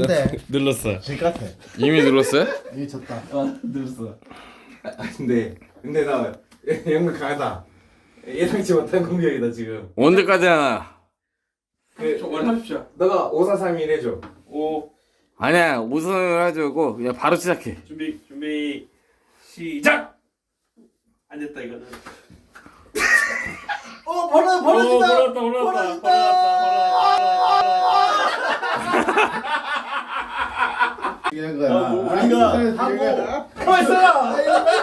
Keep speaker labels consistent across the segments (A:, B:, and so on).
A: 눌렀어.
B: 질 같아.
A: 이미 눌렀어요?
B: 이미 졌다.
C: 늘었어. 근데 나 영국 강하다. 예상치 못한 공격이다 지금.
A: 언제까지 하나?
C: 원 하십시오. 너가 5431 해줘.
D: 5
A: 아니야, 우선을 하자고 그냥 바로 시작해.
D: 준비 시작. 안 됐다 이거는.
B: 벌어진다.
D: 벌어졌다.
B: 이런 거야.
C: 우리가 하고 벌써.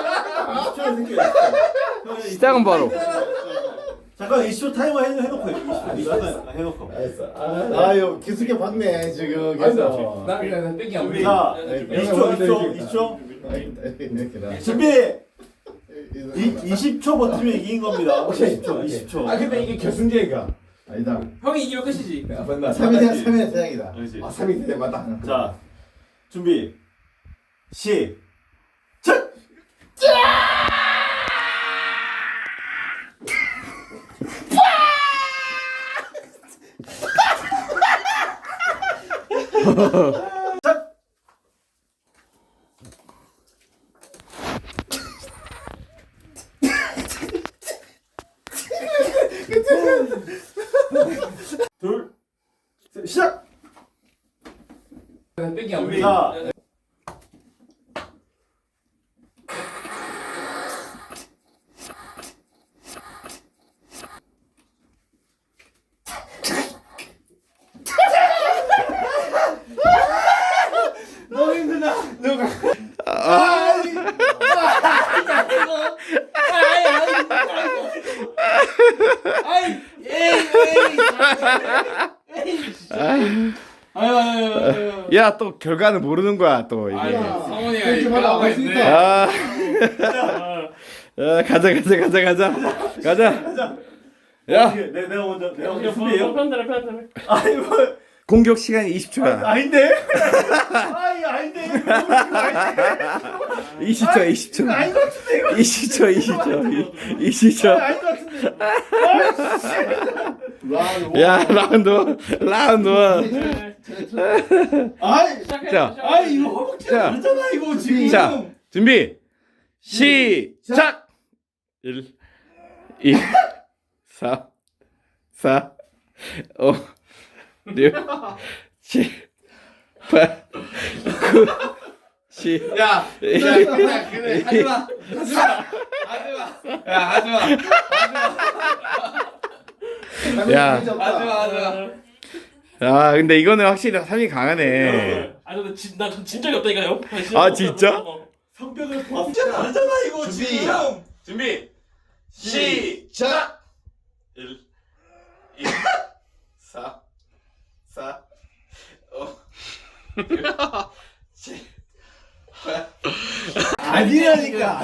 A: 시작은 바로.
E: 잠깐 20초 타이머 해놓고 20초 해놓고.
B: 아유 기술게 봤네 지금 계속.
C: 나 그냥 땡기 안
E: 자,
B: 네,
E: 20초. 준비. 20초 버티면 이긴 겁니다. 20초.
C: 아 근데 이게 결승제가.
B: 아니다.
D: 형이 이기면 끝이지.
C: 맞나?
B: 3위 대장이다.
E: 그렇지.
C: 아 3위 대 맞다.
E: 자, 준비. 시작. 둘, 셋, 시작.
C: 땡기 안 돼.
E: 자, 너무 힘들다.
A: 야, 또 결과는 모르는 거야, 또 이게.
C: 성원이가
B: 좀 하다
C: 이거
B: 할수
C: 있네.
B: 있다.
A: 가자. 야,
E: 내가 먼저 준비해요.
D: 편들어.
E: 아니 뭐
A: 공격 시간이 20초야.
E: 아닌데? 아니 아닌데?
A: 20초.
E: 아닌 것 같은데 이거.
A: 20초.
E: 아닌 것 같은데.
A: 야, 라운드 1.
E: 아이,
A: 자,
E: 아이 이거 허벅지
A: 자.
E: 그렇잖아 이거 지금.
A: 자, 준비. 시작. 1 2 3 4 5 6 7 8 9 10
C: 야, 그래 하지마. 야 하지마.
A: 야,
C: 하지마.
A: 야, 근데 이거는 확실히 3이 강하네.
D: 나진 적이 없다니까요.
A: 아, 진짜?
E: 성벽을 봤잖아. 아니잖아 이거 지금.
C: 준비. 시작.
A: 1 2 4 4 5 6 7
E: 아니라니까.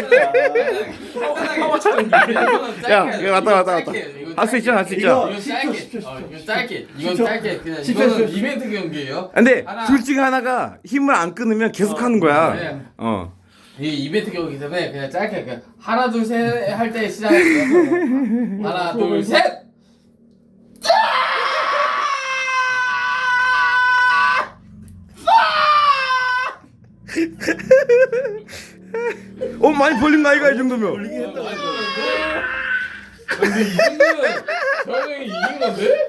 A: 야, 이거 맞다. 할 수 있잖아.
C: 이건 짧게. 이건 짧게. 그냥 이거는 이벤트 경기예요.
A: 근데
C: 하나.
A: 둘 중에 하나가 힘을 안 끊으면 계속 하는 거야.
C: 네.
A: 이
C: 이 이벤트 경기이기 때문에 그냥 짧게 그냥 하나 둘 셋 할 때 시작해서 하나 둘 셋.
A: 많이 벌린 거 아이가 이 정도면.
C: 근데 이 정도면 저 형이 이긴 건데?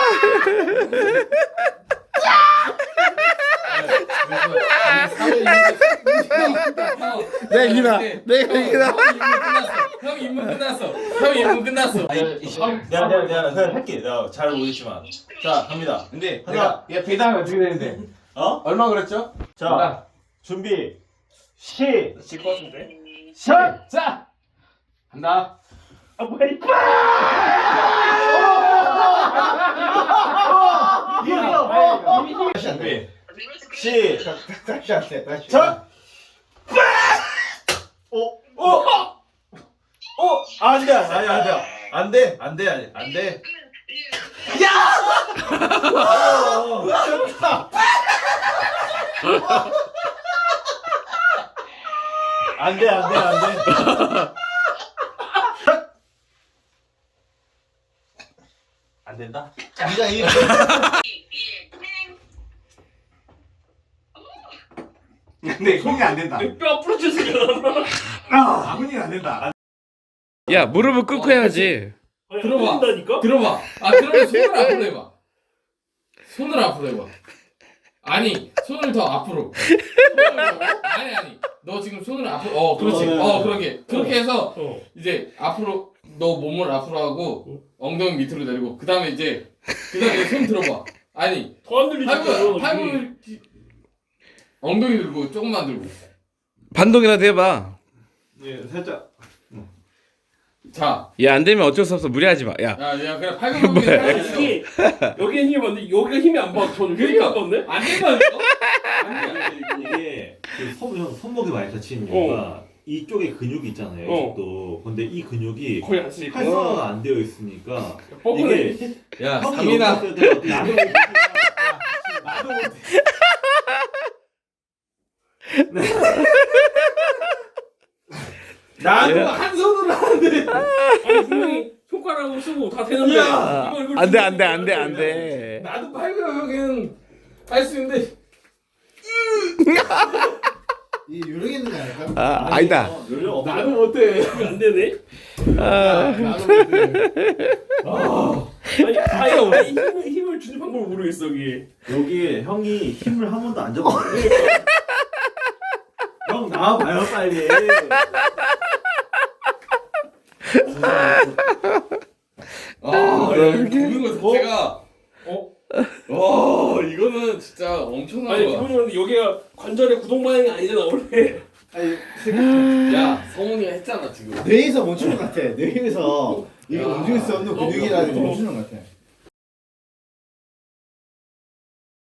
A: 내가 이기나.
C: 형 임무 끝났어.
E: 내가 할게. 내가 잘 모르겠지만. 자 갑니다.
C: 근데
E: 하나.
C: 얘 배당이 어떻게 되는데? 얼마 그랬죠?
E: 자 준비.
D: 질것 같은데.
E: 시작.
C: 자 간다.
D: 아 뭐야 이
E: 준비. 시작. 안돼. 안돼.
D: 안 된다.
B: 네가 이 근데 손이 안 된다.
D: 뼈 앞으로 주세요.
B: 손이 안 된다.
A: 야 무릎을 꿇고 해야지.
C: 들어봐.
D: 다니까.
C: 들어봐. 아 그러면 손을 앞으로 해봐. 손을 앞으로 해봐. 아니 손을 더 앞으로. 아니 너 지금 손을 앞으로. 그렇지. 그렇게 해서 이제 앞으로 너 몸을 앞으로 하고 엉덩이 밑으로 내리고 그다음에 이제 손 들어봐. 아니
D: 더안 들리죠.
C: 팔을 엉덩이 들고 조금만 들고.
A: 반동이라도 해봐.
B: 예, 살짝.
C: 자.
A: 야 안 되면 어쩔 수 없어 무리하지 마. 야.
C: 야 그래 팔굽혀펴기 해야지.
D: 이게 여기에 힘이 많은데 여기가 힘이 안 봐. 저는 힘이 안 받네.
C: 안 된다니까?
F: 이게 그 손목이 많이 다치는 이유가 이쪽에 근육이 있잖아요. 이쪽도. 근데 이 근육이
D: 거의 안 쓰니까.
F: 활성화가 안 되어 있으니까
D: 뻐근해.
F: 이게
C: 야
F: 형이
C: 3이나
F: 여기 있을 때 어떻게
B: 나도 못해.
C: 나도 한 손으로 하는데.
D: 아니 분명히 손가락으로 쓰고 다 되는데.
C: 야,
D: 이걸
A: 안돼.
C: 나도 팔굽혀펴기는 할 수 있는데.
B: 이 요령 있는 거 아닐까?
A: 아니다.
C: 나도 못해.
D: 이거 안 되네.
C: 나도 못해.
D: 아니 힘을 주는 방법을 모르겠어 이게.
F: 여기 형이 힘을 한 번도 안 잡았어요. 형 나와봐요 빨리.
C: 보는 거 자체가 와 이거는 진짜 엄청난
D: 아니
C: 거야.
D: 그러면 여기가 관절의 구동 방향이 아니잖아 원래.
B: 아니,
C: 야 성훈이가 했잖아 지금.
B: 뇌에서 멈추는 것 같아. 뇌에서 이거
C: 야.
B: 움직일 수 없는 근육이라는 게 멈추는 것 같아.